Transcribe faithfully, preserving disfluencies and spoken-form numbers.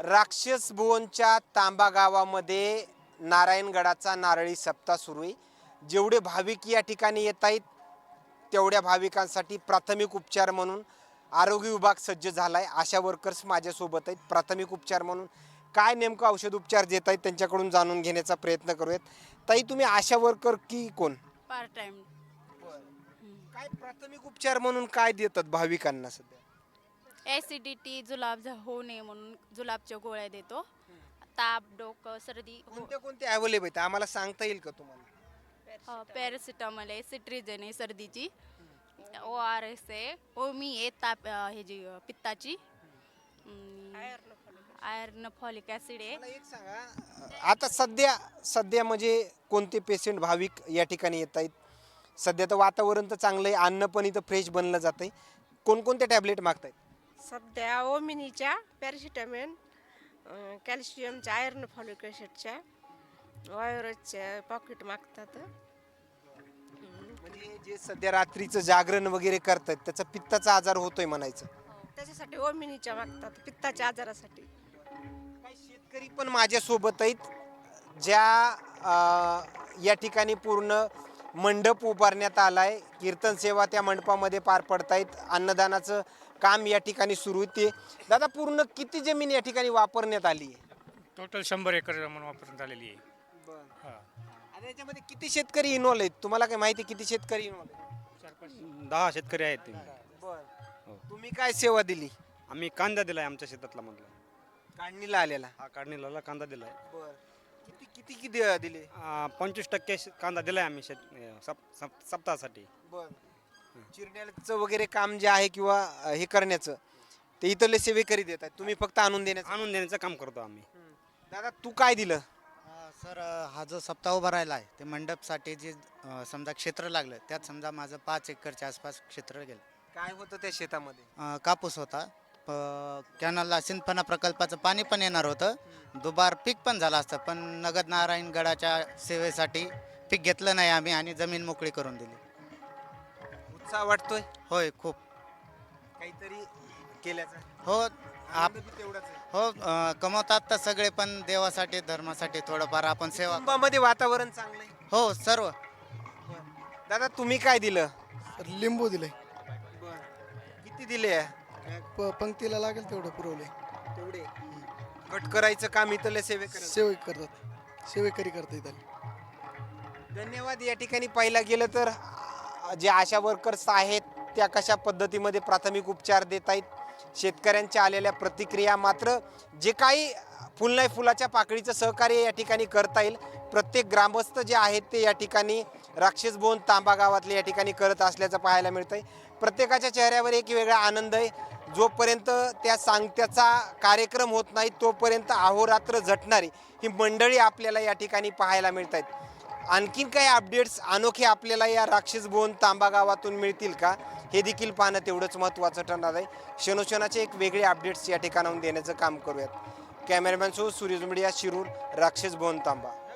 राक्षस भुवनच्या तांबा गावामध्ये नारायणगडाचा नारळी सप्ताह सुरू आहे. जेवढे भाविक या ठिकाणी येत आहेत तेवढ्या भाविकांसाठी प्राथमिक उपचार म्हणून आरोग्य विभाग सज्ज झाला आहे. आशा वर्कर्स माझ्यासोबत आहेत. प्राथमिक उपचार म्हणून काय नेमकं औषध उपचार देत आहेत त्यांच्याकडून जाणून घेण्याचा प्रयत्न करूयात. ताई, तुम्ही आशा वर्कर की कोण? Part time. काय प्राथमिक उपचार म्हणून काय देतात भाविकांना सध्या? ॲसिडिटी जुलाब झ- होऊ नये म्हणून जुलाबच्या गोळ्या देतो. ताप, डोकं, सर्दी, कोणते कोणते अवेलेबल आहेत आम्हाला सांगता येईल का तुम्हाला? पॅरासिटामॉल आहे, सिट्रिजन आहे सर्दीची, ओ आर एस आहे, ओमी आहे ताप अ, हे जी अ, पित्ताची, आयर्न फॉलिक ॲसिड आहे. मला एक सांगा, आता सध्या सध्या म्हणजे कोणते पेशंट भाविक या ठिकाणी येत आहेत? सध्या तर वातावरण तर चांगलं आहे, अन्न पण इथं फ्रेश बनलं जात आहे. कोणकोणते टॅबलेट मागतायत? सध्या ओमिनीच्या, पॅरासिटामॉल, कॅल्शियमच्या, आयर्न फॉलिक ॲसिडच्या, वायरसच्या पॉकेट मागतात. म्हणजे जे सध्या रात्रीचं जागरण वगैरे करतात त्याचा पित्ताचा आजार होतोय म्हणायचं. त्याच्यासाठी ओमिनीच्या मागतात, पित्ताच्या आजारासाठी. काही शेतकरी पण माझ्यासोबत आहेत ज्या अं, या ठिकाणी पूर्ण मंडप उभारण्यात आलाय. कीर्तन सेवा त्या मंडपामध्ये पार पडतायत. अन्नदानाचं काम या ठिकाणी सुरू आहे. ते दादा, पूर्ण किती जमीन या ठिकाणी वापरण्यात आली आहे? टोटल शंभर एकर जमीन वापरण्यात आलेली आहे. हा. आता याच्यामध्ये किती शेतकरी इन्व्हॉल्व आहेत तुम्हाला काय माहिती? किती शेतकरी इन्व्हॉल्व आहेत? चार पाच दहा शेतकरी आहेत ते. बरं, तुम्ही काय सेवा दिली? आम्ही कांदा दिलाय आमच्या शेतातला मधला. काढणीला आलेला. हा काढणीला कांदा दिलाय. बरं, किती किती किती दिले? आ, पंचवीस टक्के शे- कांदा दिलाय आम्ही शेत सप- सप- सप्ताहासाठी. बरं, चिरण्याचं वगैरे काम जे आहे किंवा अं, हे करण्याचं ते इथले सेवेकरी देतात, तुम्ही फक्त आणून देण्याचं. आणून देण्याचं काम करतो आम्ही. दादा, तू काय दिलं? अ, सर अ, हा जो सप्ताह उभा राहिला आहे ते मंडपसाठी जे अ, समजा क्षेत्र लागलं त्यात समजा माझं पाच एकरच्या आसपास क्षेत्र गेलं. काय होतं त्या शेतामध्ये? अ, कापूस होता. प कॅनलला सिंधफणा प्रकल्पाचं पाणी पण येणार होतं. दुबार पीक पण झालं असतं, पण नगद नारायणगडाच्या सेवेसाठी पीक घेतलं नाही आम्ही आणि जमीन मोकळी करून दिली. उत्साह वाटतोय होय, खूप. काहीतरी केल्याचा? हो आप आनंद बी तेवढाच आहे. हो अ, कमवतात तर सगळे, पण देवासाठी धर्मासाठी थोडंफार आपण सेवा. कुटुंबामध्ये वातावरण चांगलं आहे. हो सर्व. दादा, तुम्ही काय दिलं? लिंबू दिले. किती दिले? प पंक्तीला लागेल तेवढं पुरवले. तेवढे कट करायचं काम इथले सेवे सेवे करतात, सेवेकरी करता इथं. धन्यवाद. या ठिकाणी पाहिला गेलं तर अ, जे आशा वर्कर्स आहेत त्या कशा पद्धतीमध्ये प्राथमिक उपचार देत आहेत. शेतकऱ्यांच्या आलेल्या प्रतिक्रिया, मात्र जे काही फुल नाही फुलाच्या पाकळीचं सहकार्य या ठिकाणी करता येईल प्रत्येक ग्रामस्थ जे आहेत ते या ठिकाणी राक्षस भुवन तांबा गावातले या ठिकाणी करत असल्याचं पाहायला मिळतं आहे. प्रत्येकाच्या चेहऱ्यावर एक वेगळा आनंद आहे. जोपर्यंत त्या सांगत्याचा कार्यक्रम होत नाही तोपर्यंत अहोरात्र झटणारी ही मंडळी आपल्याला या ठिकाणी पाहायला मिळत आहेत. आणखीन काही अपडेट्स अनोखे आपल्याला या राक्षस भुवन तांबा गावातून मिळतील का, हे देखील पाहणं तेवढंच महत्त्वाचं ठरणार आहे. क्षणोक्षणाचे एक वेगळे अपडेट्स या ठिकाणाहून देण्याचं काम करूयात. Cameraman so Suryaj media, Shirur, Rakshas Bhuvan तांबा.